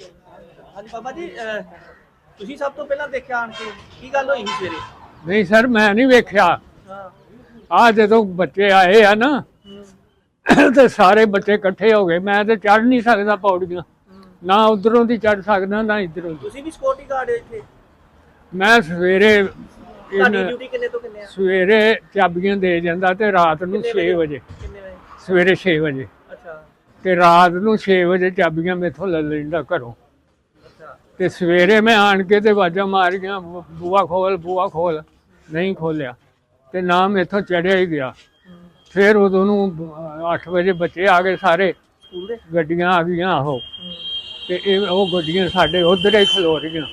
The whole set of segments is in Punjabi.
ਹਾਂਜੀ ਬਾਬਾ ਜੀ, ਤੁਸੀਂ ਸਭ ਤੋਂ ਪਹਿਲਾਂ ਦੇਖਿਆ ਆਣ ਕੇ ਕੀ ਗੱਲ ਹੋਈ ਸੀ ਸਵੇਰੇ? ਨਹੀਂ ਸਰ, ਮੈਂ ਨਹੀਂ ਵੇਖਿਆ। ਹਾਂ। ਆ ਜਦੋਂ ਬੱਚੇ ਆਏ ਆ ਨਾ ਤੇ ਸਾਰੇ ਬੱਚੇ ਇਕੱਠੇ ਹੋ ਗਏ। ਮੈਂ ਤੇ ਚੜ ਨਹੀਂ ਸਕਦਾ ਪੌੜੀਆਂ, ਨਾ ਉਧਰੋਂ ਦੀ ਚੜ ਸਕਦਾ ਨਾ ਇਧਰੋਂ। ਤੁਸੀਂ ਵੀ ਸਿਕਿਉਰਿਟੀ ਗਾਰਡ ਹੋ ਇੱਥੇ? ਮੈਂ ਸਵੇਰੇ ਤੁਹਾਡੀ ਡਿਊਟੀ ਕਿੰਨੇ ਤੋਂ ਕਿੰਨੇ ਆ? ਸਵੇਰੇ ਚਾਬੀਆਂ ਦੇ ਜਾਂਦਾ ਤੇ ਰਾਤ ਨੂੰ 6 ਵਜੇ। ਕਿੰਨੇ ਵਜੇ? ਸਵੇਰੇ 6 ਵਜੇ ਅੱਛਾ ਤੇ ਰਾਤ ਨੂੰ 6 ਵਜੇ ਚਾਬੀਆਂ ਮੇਥੋਂ ਲੈ ਲੈਂਦਾ ਘਰੋਂ। ਅੱਛਾ। ਤੇ ਸਵੇਰੇ ਮੈਂ ਆਣ ਕੇ ਤੇ ਆਵਾਜ਼ਾਂ ਮਾਰੀਆਂ, ਬੂਆ ਖੋਲ ਬੂਆ ਖੋਲ, ਨਹੀਂ ਖੋਲਿਆ ਤੇ ਨਾ ਮੇਥੋਂ ਚੜਿਆ ਹੀ ਗਿਆ। ਫਿਰ ਉਦੋਂ ਨੂੰ 8 ਵਜੇ ਬੱਚੇ ਆ ਗਏ ਸਾਰੇ, ਸਕੂਲ ਦੇ ਗੱਡੀਆਂ ਆ ਗਈਆਂ। ਆਹੋ, ਤੇ ਉਹ ਗੱਡੀਆਂ ਸਾਡੇ ਉਧਰ ਹੀ ਖਲੋ ਰਹੀਆਂ,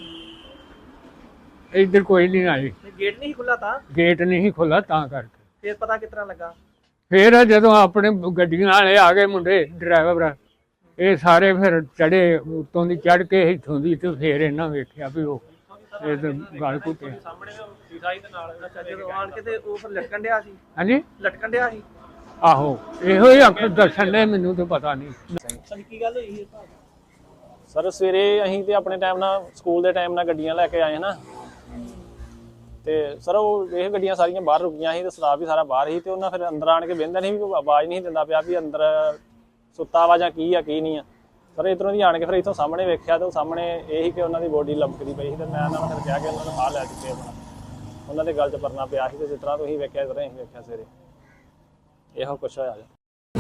ਇੱਧਰ ਕੋਈ ਨਹੀਂ ਆਈ। ਗੇਟ ਨਹੀਂ ਖੁੱਲਾ ਤਾਂ? ਗੇਟ ਨਹੀਂ ਖੁੱਲਾ ਤਾਂ ਕਰਕੇ। ਫਿਰ ਪਤਾ ਕਿਸ ਤਰ੍ਹਾਂ ਲੱਗਾ? ਫਿਰ ਜਦੋਂ ਆਪਣੇ ਗੱਡੀਆਂ ਵਾਲੇ ਆ ਗਏ ਮੁੰਡੇ ਡਰਾਈਵਰ, ਇਹ ਸਾਰੇ ਫਿਰ ਚੜੇ ਉੱਤੋਂ ਦੀ, ਚੜ ਕੇ ਇੱਥੋਂ ਦੀ, ਤੇ ਫਿਰ ਇਹਨਾਂ ਵੇਖਿਆ ਵੀ ਉਹ ਇਹ ਤਾਂ ਗਲ ਘੁੱਟਿਆ। ਅੱਛਾ, ਜਦੋਂ ਆਣ ਕੇ ਤੇ ਉਹ ਫਿਰ ਲਟਕਣ ਡਿਆ ਸੀ? ਹਾਂਜੀ, ਲਟਕਣ ਡਿਆ ਸੀ। ਆਹੋ, ਇਹੋ ਹੀ ਅੱਖ ਦੱਸਣ ਦੇ, ਮੈਨੂੰ ਤਾਂ ਪਤਾ ਨਹੀਂ। ਸਰ ਕੀ ਗੱਲ ਹੋਈ? ਸਰ ਸਵੇਰੇ ਅਸੀਂ ਤੇ ਆਪਣੇ ਟਾਈਮ ਨਾਲ ਸਕੂਲ ਦੇ ਟਾਈਮ ਨਾਲ ਗੱਡੀਆਂ ਲੈ ਕੇ ਆਏ ਨਾ, ਤੇ ਸਰ ਉਹ ਇਹ ਗੱਡੀਆਂ ਸਾਰੀਆਂ ਬਾਹਰ ਰੁਕੀਆਂ ਸੀ ਤੇ ਸਟਾਫ ਵੀ ਸਾਰਾ ਬਾਹਰ ਸੀ। ਤੇ ਉਹਨਾਂ ਫਿਰ ਅੰਦਰ ਆਣ ਕੇ ਬਹਿੰਦਾ ਨਹੀਂ, ਵੀ ਆਵਾਜ਼ ਨਹੀਂ ਦਿੰਦਾ ਪਿਆ ਵੀ ਅੰਦਰ ਸੁੱਤਾ ਵਾ ਜਾਂ ਕੀ ਆ ਕੀ ਨਹੀਂ ਆ। ਸਰ ਇੱਧਰੋਂ ਦੀ ਆਣ ਕੇ ਫਿਰ ਇੱਥੋਂ ਸਾਹਮਣੇ ਵੇਖਿਆ ਤੇ ਉਹ ਸਾਹਮਣੇ ਇਹ ਸੀ ਕਿ ਉਹਨਾਂ ਦੀ ਬੋਡੀ ਲੰਮਕਦੀ ਪਈ ਸੀ। ਤੇ ਮੈਂ ਉਹਨਾਂ ਨੂੰ ਫਿਰ ਕਿਹਾ ਕਿ ਉਹਨਾਂ ਨੂੰ ਫਾਹ ਲੈ ਚੁੱਕੇ ਆਪਣਾ, ਉਹਨਾਂ ਦੇ ਗਲ 'ਚ ਪਰਨਾ ਪਿਆ ਸੀ। ਤੇ ਜਿਸ ਤਰ੍ਹਾਂ ਤੁਸੀਂ ਵੇਖਿਆ ਇਸ ਤਰ੍ਹਾਂ ਅਸੀਂ ਵੇਖਿਆ ਸਵੇਰੇ ਇਹੋ ਕੁਛ ਹੋਇਆ ਜੀ।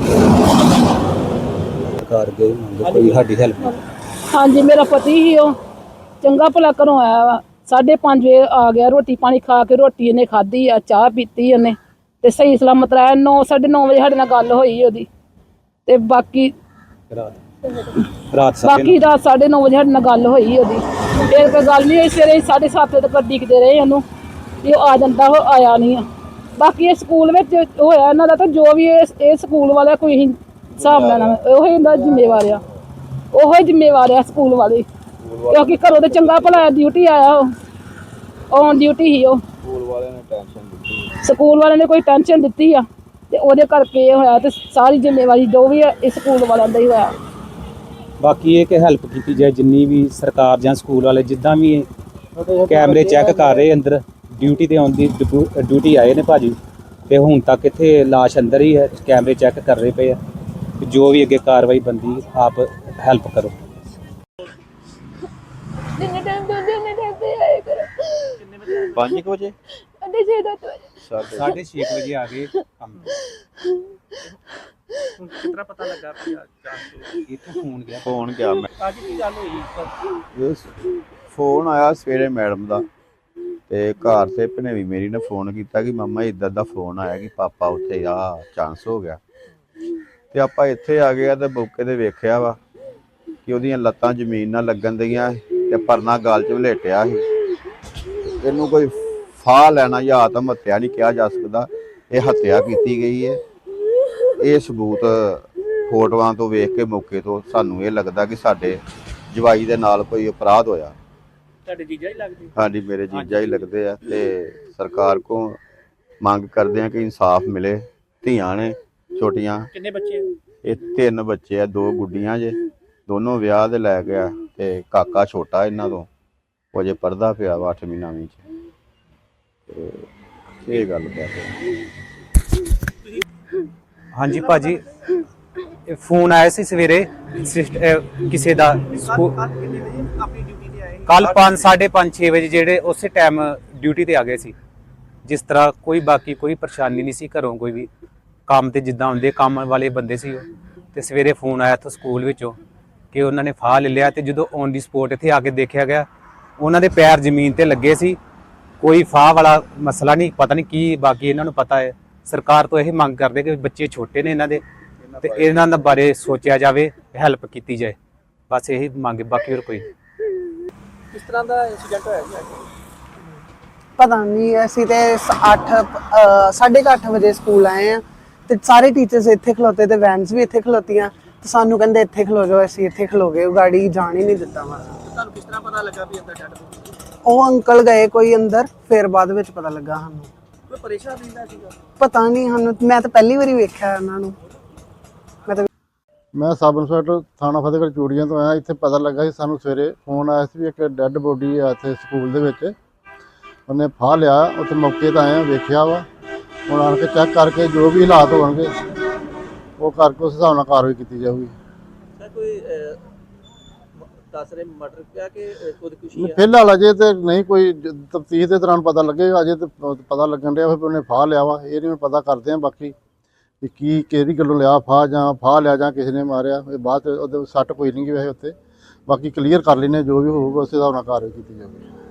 ਸਰਕਾਰ ਗਈ ਮੰਗ ਕੋਈ ਸਾਡੀ ਹੈਲਪ। ਹਾਂਜੀ, ਮੇਰਾ ਪਤੀ ਹੀ ਉਹ ਚੰਗਾ ਭਲਾ ਘਰੋਂ ਆਇਆ ਵਾ, 5:30 ਵਜੇ ਆ ਗਿਆ। ਰੋਟੀ ਪਾਣੀ ਖਾ ਕੇ, ਰੋਟੀ ਇਹਨੇ ਖਾਧੀ ਆ, ਚਾਹ ਪੀਤੀ ਉਹਨੇ ਤੇ ਸਹੀ ਸਲਾਮਤ ਆਇਆ। 9:30 ਵਜੇ ਸਾਡੇ ਨਾਲ ਗੱਲ ਹੋਈ ਉਹਦੀ, ਤੇ ਬਾਕੀ ਰਾਤ 9:30 ਵਜੇ ਸਾਡੇ ਨਾਲ ਗੱਲ ਹੋਈ ਉਹਦੀ। ਫਿਰ ਕੋਈ ਗੱਲ ਨਹੀਂ ਹੋਈ। ਸਵੇਰੇ 7:30 ਵਜੇ ਤੱਕ ਡਿੱਗਦੇ ਰਹੇ ਉਹਨੂੰ ਵੀ ਉਹ ਆ ਜਾਂਦਾ, ਉਹ ਆਇਆ ਨਹੀਂ ਆ। ਬਾਕੀ ਇਹ ਸਕੂਲ ਵਿੱਚ ਹੋਇਆ ਇਹਨਾਂ ਦਾ, ਤਾਂ ਜੋ ਵੀ ਇਹ ਸਕੂਲ ਵਾਲਾ ਕੋਈ ਹਿਸਾਬ ਲੈਣਾ, ਉਹ ਇਹਦਾ ਜ਼ਿੰਮੇਵਾਰ ਆ, ਉਹ ਹੀ ਜ਼ਿੰਮੇਵਾਰ ਆ ਸਕੂਲ ਵਾਲੇ, ਕਿਉਂਕਿ ਘਰੋਂ ਤੇ ਚੰਗਾ ਭਲਾ ਡਿਊਟੀ ਆਇਆ, ਉਹ ਔਨ ਡਿਊਟੀ ਹੀ। ਉਹ ਸਕੂਲ ਵਾਲਿਆਂ ਨੇ ਕੋਈ ਟੈਨਸ਼ਨ ਦਿੱਤੀ ਆ ਤੇ ਉਹਦੇ ਕਰਕੇ ਇਹ ਹੋਇਆ। ਤੇ ਸਾਰੀ ਜ਼ਿੰਮੇਵਾਰੀ ਜੋ ਵੀ ਹੈ ਇਹ ਸਕੂਲ ਵਾਲਿਆਂ ਦਾ ਹੀ ਹੋਇਆ। ਬਾਕੀ ਇਹ ਕਿ ਹੈਲਪ ਕੀਤੀ ਜਾਏ ਜਿੰਨੀ ਵੀ ਸਰਕਾਰ ਜਾਂ ਸਕੂਲ ਵਾਲੇ, ਜਿੱਦਾਂ ਵੀ ਕੈਮਰੇ ਚੈੱਕ ਕਰ ਰਹੇ ਅੰਦਰ, ਡਿਊਟੀ ਤੇ ਆਉਣ ਦੀ ਡਿਊਟੀ ਆਏ ਨੇ ਭਾਜੀ, ਤੇ ਹੁਣ ਤੱਕ ਇੱਥੇ ਲਾਸ਼ ਅੰਦਰ ਹੀ ਹੈ, ਕੈਮਰੇ ਚੈੱਕ ਕਰ ਰਹੇ ਪਏ ਆ। ਜੋ ਵੀ ਅੱਗੇ ਕਾਰਵਾਈ ਬੰਦੀ ਆਪ ਹੈਲਪ ਕਰੋ। ਜਿੰਨੇ ਟਾਈਮ ਤੋਂ ਜਿੰਨੇ ਟਾਈਮ ਤੇ ਆਏ ਕਰੋ। 5 ਵਜੇ 6:30 ਵਜੇ ਆ ਗਏ ਕੰਮ। ਕਿਸ ਤਰ੍ਹਾਂ ਪਤਾ ਲੱਗਾ ਕਿ ਇੱਥੇ ਫੋਨ ਗਿਆ ਮੈਂ ਅੱਜ ਕੀ ਗੱਲ ਹੋਈ? ਫੋਨ ਆਇਆ ਸਵੇਰੇ ਮੈਡਮ ਦਾ, ਤੇ ਘਰ ਤੇ ਭਨੇਵੀ ਮੇਰੀ ਨੇ ਫੋਨ ਕੀਤਾ ਕਿ ਮਾਮਾ ਇੱਦਾਂ ਦਾ ਫੋਨ ਆਇਆ ਕਿ ਪਾਪਾ ਉੱਥੇ ਆ ਚਾਂਸ ਹੋ ਗਿਆ। ਤੇ ਆਪਾਂ ਇੱਥੇ ਆ ਗਏ ਤੇ ਮੌਕੇ ਤੇ ਵੇਖਿਆ ਵਾ ਕਿ ਉਹਦੀਆਂ ਲੱਤਾਂ ਜ਼ਮੀਨ ਨਾਲ ਲੱਗਣ ਦੀਆਂ ਤੇ ਪਰਨਾ ਗਾਲ 'ਚ ਵਲੇਟਿਆ ਸੀ। ਇਹਨੂੰ ਕੋਈ ਫਾਹ ਲੈਣਾ ਜਾਂ ਆਤਮ ਹੱਤਿਆ ਨਹੀਂ ਕਿਹਾ ਜਾ ਸਕਦਾ, ਇਹ ਹੱਤਿਆ ਕੀਤੀ ਗਈ ਹੈ। ਇਹ ਸਬੂਤ ਫੋਟੋਆਂ ਤੋਂ ਵੇਖ ਕੇ ਮੌਕੇ ਤੋਂ ਸਾਨੂੰ ਇਹ ਲੱਗਦਾ ਕਿ ਸਾਡੇ ਜਵਾਈ ਦੇ ਨਾਲ ਕੋਈ ਅਪਰਾਧ ਹੋਇਆ। ਤੁਹਾਡੇ ਜੀਜਾ ਹੀ ਲੱਗਦੇ? ਹਾਂਜੀ, ਮੇਰੇ ਜੀਜਾ ਹੀ ਲੱਗਦੇ ਆ। ਤੇ ਸਰਕਾਰ ਕੋਲ ਮੰਗ ਕਰਦੇ ਆ ਕਿ ਇਨਸਾਫ ਮਿਲੇ। ਧੀਆਂ ਨੇ ਛੋਟੀਆਂ। ਕਿੰਨੇ ਬੱਚੇ? ਇਹ 3 ਬੱਚੇ ਆ, 2 ਗੁੱਡੀਆਂ ਜੇ, ਦੋਨੋਂ ਵਿਆਹ ਦੇ ਲੈ ਗਿਆ। ਤੇ ਕਾਕਾ ਛੋਟਾ ਇਹਨਾਂ ਤੋਂ, ਉਹ ਅਜੇ ਪੜ੍ਹਦਾ ਪਿਆ ਵਾ 8ਵੀਂ 9ਵੀਂ 'ਚ। ਇਹ ਗੱਲ ਕਰਦੇ। ਹਾਂਜੀ ਭਾਜੀ, ਫੋਨ ਆਇਆ ਸੀ ਸਵੇਰੇ ਕਿਸੇ ਦਾ। ਕਿੰਨੇ ਵਜੇ ਆਪਣੀ ਡਿਊਟੀ ਤੇ ਆਏ? ਕੱਲ 5, 5:30, 6 ਵਜੇ ਜਿਹੜੇ ਉਸੇ ਟਾਈਮ ਡਿਊਟੀ ਤੇ ਆ ਗਏ ਸੀ। ਜਿਸ ਤਰ੍ਹਾਂ ਕੋਈ ਬਾਕੀ ਕੋਈ ਪਰੇਸ਼ਾਨੀ ਨਹੀਂ ਸੀ ਘਰੋਂ, ਕੋਈ ਵੀ ਕੰਮ ਤੇ ਜਿੱਦਾਂ ਹੁੰਦੇ ਕੰਮ ਵਾਲੇ ਬੰਦੇ ਸੀ ਉਹ। ਤੇ ਸਵੇਰੇ ਫੋਨ ਆਇਆ ਤੋਂ ਸਕੂਲ ਵਿੱਚੋਂ ਕਿ ਉਹਨਾਂ ਨੇ ਫਾਹ ਲੈ ਲਿਆ। ਤੇ ਜਦੋਂ ਔਨ ਦੀ ਸਪੋਟ ਇੱਥੇ ਆ ਕੇ ਦੇਖਿਆ ਗਿਆ, ਉਹਨਾਂ ਦੇ ਪੈਰ ਜ਼ਮੀਨ ਤੇ ਲੱਗੇ ਸੀ। ਕੋਈ ਫਾਹ ਵਾਲਾ ਮਸਲਾ ਨਹੀਂ, ਪਤਾ ਨਹੀਂ ਕੀ। ਬਾਕੀ ਇਹਨਾਂ ਨੂੰ ਪਤਾ ਹੈ। ਸਰਕਾਰ ਤੋਂ ਇਹ ਮੰਗ ਕਰਦੇ ਕਿ ਬੱਚੇ ਛੋਟੇ ਨੇ ਇਹਨਾਂ ਦੇ, ਤੇ ਇਹਨਾਂ ਦੇ ਬਾਰੇ ਸੋਚਿਆ ਜਾਵੇ, ਹੈਲਪ ਕੀਤੀ ਜਾਏ, ਬਸ ਇਹੀ ਮੰਗ। ਬਾਕੀ ਹੋਰ ਕੋਈ ਕਿਸ ਤਰ੍ਹਾਂ ਦਾ ਇਨਸੀਡੈਂਟ ਹੋਇਆ ਜੀ? ਪਤਾ ਨਹੀਂ, ਅਸੀਂ ਤੇ 8:30 ਵਜੇ ਸਕੂਲ ਆਏ ਆ, ਤੇ ਸਾਰੇ ਟੀਚਰਸ ਇੱਥੇ ਖਲੋਤੇ ਤੇ ਵੈਨਸ ਵੀ ਇੱਥੇ ਖਲੋਤੀਆਂ, ਤੇ ਸਾਨੂੰ ਕਹਿੰਦੇ ਇੱਥੇ ਖਲੋ ਜਾਓ। ਅਸੀਂ ਇੱਥੇ ਖਲੋ ਗਏ, ਗਾੜੀ ਜਾਣ ਹੀ ਨਹੀਂ ਦਿੱਤਾ। ਤੁਹਾਨੂੰ ਕਿਸ ਤਰ੍ਹਾਂ ਪਤਾ ਲੱਗਾ ਵੀ ਅੰਦਰ ਡੈਡ ਬੋਡੀ? ਉਹ ਅੰਕਲ ਗਏ ਕੋਈ ਅੰਦਰ, ਫਿਰ ਬਾਅਦ ਵਿੱਚ ਪਤਾ ਲੱਗਾ ਸਾਨੂੰ। ਕੋਈ ਪਰੇਸ਼ਾਨ ਰਹਿੰਦਾ ਸੀਗਾ? ਪਤਾ ਨਹੀਂ ਸਾਨੂੰ, ਮੈਂ ਤਾਂ ਪਹਿਲੀ ਵਾਰੀ ਵੇਖਿਆ ਉਹਨਾਂ ਨੂੰ। ਮੈਂ ਸਬ ਇੰਸਪੈਕਟਰ ਥਾਣਾ ਫਤਿਹਗੜ੍ਹ ਚੂੜੀਆਂ ਤੋਂ ਆਇਆ। ਇੱਥੇ ਪਤਾ ਲੱਗਾ ਸੀ ਸਾਨੂੰ ਸਵੇਰੇ ਫੋਨ ਆਇਆ ਸੀ ਵੀ ਇੱਕ ਡੈੱਡ ਬੋਡੀ ਆ ਇੱਥੇ ਸਕੂਲ ਦੇ ਵਿੱਚ, ਉਹਨੇ ਫਾਹ ਲਿਆ। ਉੱਥੇ ਮੌਕੇ 'ਤੇ ਆਏ ਆ, ਵੇਖਿਆ ਵਾ। ਹੁਣ ਆਣ ਕੇ ਚੈੱਕ ਕਰਕੇ ਜੋ ਵੀ ਹਾਲਾਤ ਹੋਣਗੇ ਉਹ ਕਰਕੇ ਉਸ ਹਿਸਾਬ ਨਾਲ ਕਾਰਵਾਈ ਕੀਤੀ ਜਾਊਗੀ। ਸਰ ਕੋਈ ਦੱਸ ਰਹੇ ਮਰਡਰ ਕਿਹਾ ਕਿ ਖੁਦਕੁਸ਼ੀ ਹੈ? ਫਿਲਹਾਲ ਅਜੇ ਤੇ ਨਹੀਂ, ਕੋਈ ਤਫਤੀਸ਼ ਦੇ ਦੌਰਾਨ ਪਤਾ ਲੱਗੇਗਾ। ਅਜੇ ਤੇ ਪਤਾ ਲੱਗਣ ਡਿਆ ਵੀ ਉਹਨੇ ਫਾਹ ਲਿਆ ਵਾ। ਇਹ ਨਹੀਂ ਪਤਾ ਕਰਦੇ ਆ ਬਾਕੀ ਵੀ ਕੀ ਕਿਹੜੀ ਗੱਲੋਂ ਲਿਆ ਫਾਹ, ਜਾਂ ਫਾਹ ਲਿਆ ਜਾਂ ਕਿਸੇ ਨੇ ਮਾਰਿਆ। ਇਹ ਬਾਅਦ 'ਚ ਉਹਦੇ ਸੱਟ ਕੋਈ ਨਹੀਂ ਗਈ ਵੈਸੇ ਉੱਤੇ। ਬਾਕੀ ਕਲੀਅਰ ਕਰ ਲੈਂਦੇ ਜੋ ਵੀ ਹੋਊਗਾ ਉਸ ਹਿਸਾਬ ਨਾਲ ਕਾਰਵਾਈ ਕੀਤੀ ਜਾਊਗੀ।